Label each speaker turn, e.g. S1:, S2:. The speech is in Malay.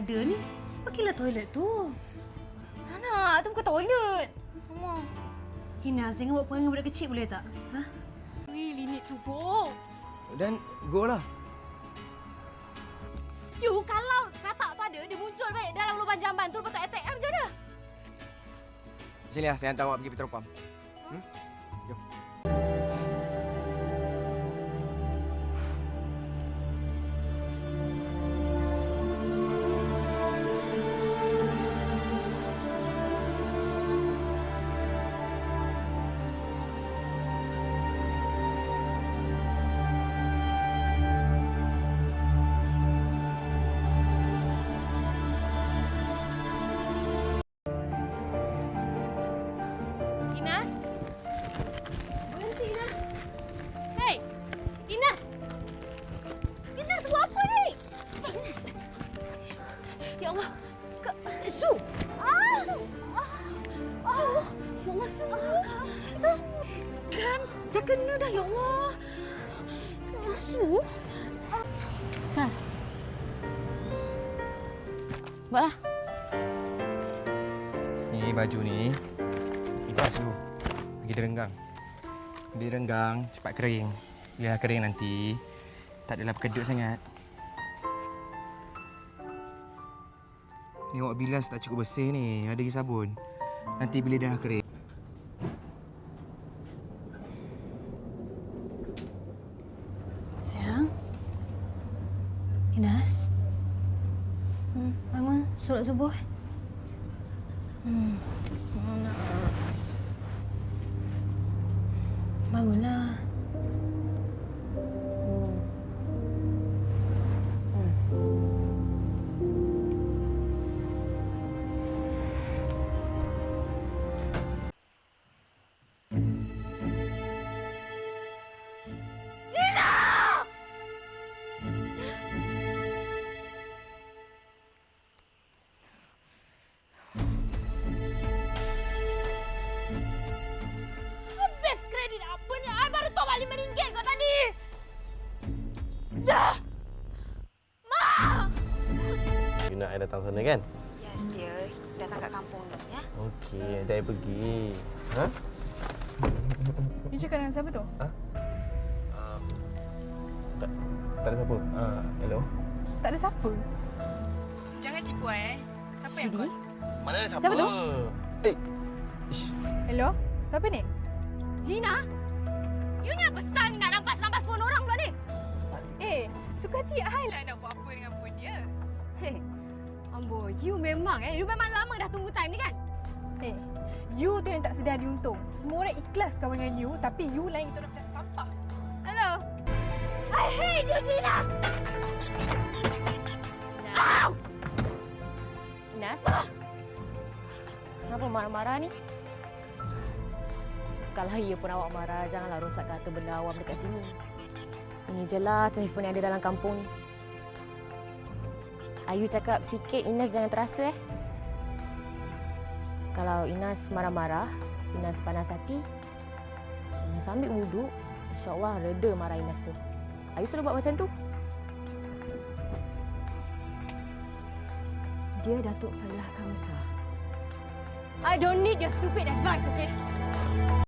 S1: ada ni? Pergilah toilet tu.
S2: Mana? Tu bukan toilet. Mama.
S1: Inas, jangan buat perangai budak kecil boleh tak? Ha?
S2: Really need to go.
S3: Dan go lah.
S2: You, kalau katak tu ada, dia muncul balik dalam lubang jamban tu, lepas tu attack macam mana?
S3: Sini lah, saya hantar awak pergi Petropam. Jom.
S2: Inas? Berhenti, Inas. Hei! Inas! Inas, buat apa ni? Inas! Ya Allah! Su! Su! Su! Ya Allah, Su! Kan? Dah kena dah, ya Allah! Su! Sal. Buatlah.
S3: Ni baju ni. Kipas dulu. Pergi direnggang. Direnggang, cepat kering. Bila dah kering nanti, tak adalah berkedut sangat. Ni awak bilas tak cukup bersih ni. Ada lagi sabun. Nanti bila dah kering.
S1: Sayang. Inas. Bangun, solat subuh.
S2: Mana?
S1: Bangunlah.
S2: Habis kredit apa ni? I baru tahu RM5 kau tadi. Dah! Ma!
S4: You nak I datang sana kan?
S5: Yes, dear. Datang kat kampung ni, ya.
S4: Okey, nanti I pergi. Ha?
S6: You cakap dengan siapa tu?
S4: Tak ada siapa. Hello?
S6: Tak ada siapa. Jangan tipu Siapa yang call?
S4: Mana ada siapa?
S2: Siapa tu?
S4: Eh. Ish.
S6: Hello? Siapa ni?
S2: Gina? You ni apa style ni nak rampas-rampas phone orang pula ni?
S6: Suka hati I lah nak buat apa dengan phone dia.
S2: Hei, Ambo, you memang lama dah tunggu time ni kan?
S6: You tu yang tak sedar diuntung. Semua orang ikhlas kawan dengan you, tapi you lain tu macam sampah.
S2: Hello? I hate you, Gina! Inas? Kenapa marah-marah ni? Kalau ia pun awak marah, janganlah rosak kata benda awam dekat sini. Ini je lah telefon yang ada dalam kampung ni. Ayu cakap sikit, Inas jangan terasa Kalau Inas marah-marah, Inas panas hati, Inas ambil wuduk, insya-Allah reda marah Inas tu. Ayu selalu buat macam tu. Dia Datuk Falah Kamsa. I don't need your stupid advice, okay?